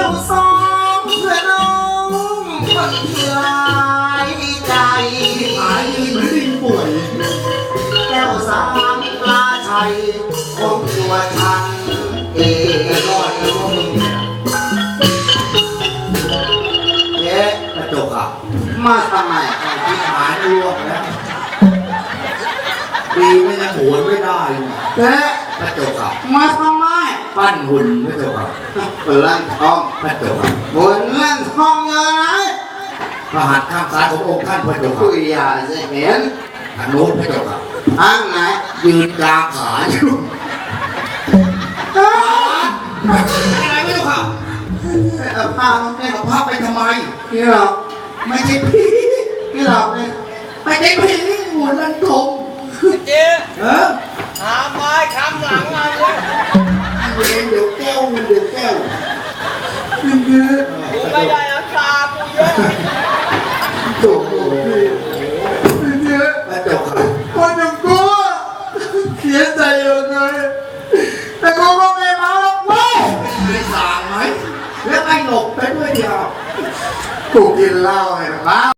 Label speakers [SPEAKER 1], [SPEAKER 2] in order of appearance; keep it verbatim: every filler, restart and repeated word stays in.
[SPEAKER 1] สองเพื่อนน้องคนเชื่อใจหายยืนเหมือนลิงป่วยแก้วสามปลาชัยคงตัวฉันเองรอดแล้วพวกมึงเนี่ย
[SPEAKER 2] กระจกอ่ะ
[SPEAKER 1] มาทำไม
[SPEAKER 2] ที่หายรวมแล้วปีไม่ยังโหนไม่ได้เลย
[SPEAKER 1] เอ๊ะ
[SPEAKER 2] กระจกอ่ะ
[SPEAKER 1] มาทำไม
[SPEAKER 2] ปั้นหุ่นกระจกอ่ะ
[SPEAKER 1] เปิดร้านทอง
[SPEAKER 2] กระจกอ่ะ
[SPEAKER 1] บนร้านทองเยอะนะ
[SPEAKER 2] พระหัตถ์ข้างซ้ายขององค์ท่านกระจก
[SPEAKER 1] คุ
[SPEAKER 2] อ่ะ
[SPEAKER 1] ยอย่าจะเห็น
[SPEAKER 2] ทางโน้นกระจกอ่ะ
[SPEAKER 1] ทางไหน
[SPEAKER 2] ยืนกลางขาอยู่
[SPEAKER 1] เอ้ย
[SPEAKER 2] อะไรไม่รู้ค่ะ
[SPEAKER 1] เอาผ้ามาให้
[SPEAKER 2] เอาภาพไปทำไม
[SPEAKER 1] พี่หรอก
[SPEAKER 2] ไม่ใช่ผี
[SPEAKER 1] พี่หรอกเนี่ย
[SPEAKER 2] ไม่ใช่ผีหัวลันทม
[SPEAKER 3] เจ๊
[SPEAKER 2] เออ
[SPEAKER 3] หาไม้คำหลังมาเลย
[SPEAKER 2] เย็นเดี๋ยวแก้วเดี๋ยวแก้ว
[SPEAKER 1] พี่พี่
[SPEAKER 3] กูไม่ได้น้ำตากูเยอะ
[SPEAKER 2] โอ้โห
[SPEAKER 1] พี่พี่
[SPEAKER 2] กระจกอ่ะ
[SPEAKER 1] คนอย่างกูเสียใจอยู่เลยแต่กูก็ไม่มาหรอกเว้ย
[SPEAKER 2] ไม่สางไหมแล้วไอ้หลบไปด้วยเดียว
[SPEAKER 1] กูกินเหล้าไอ้บ้า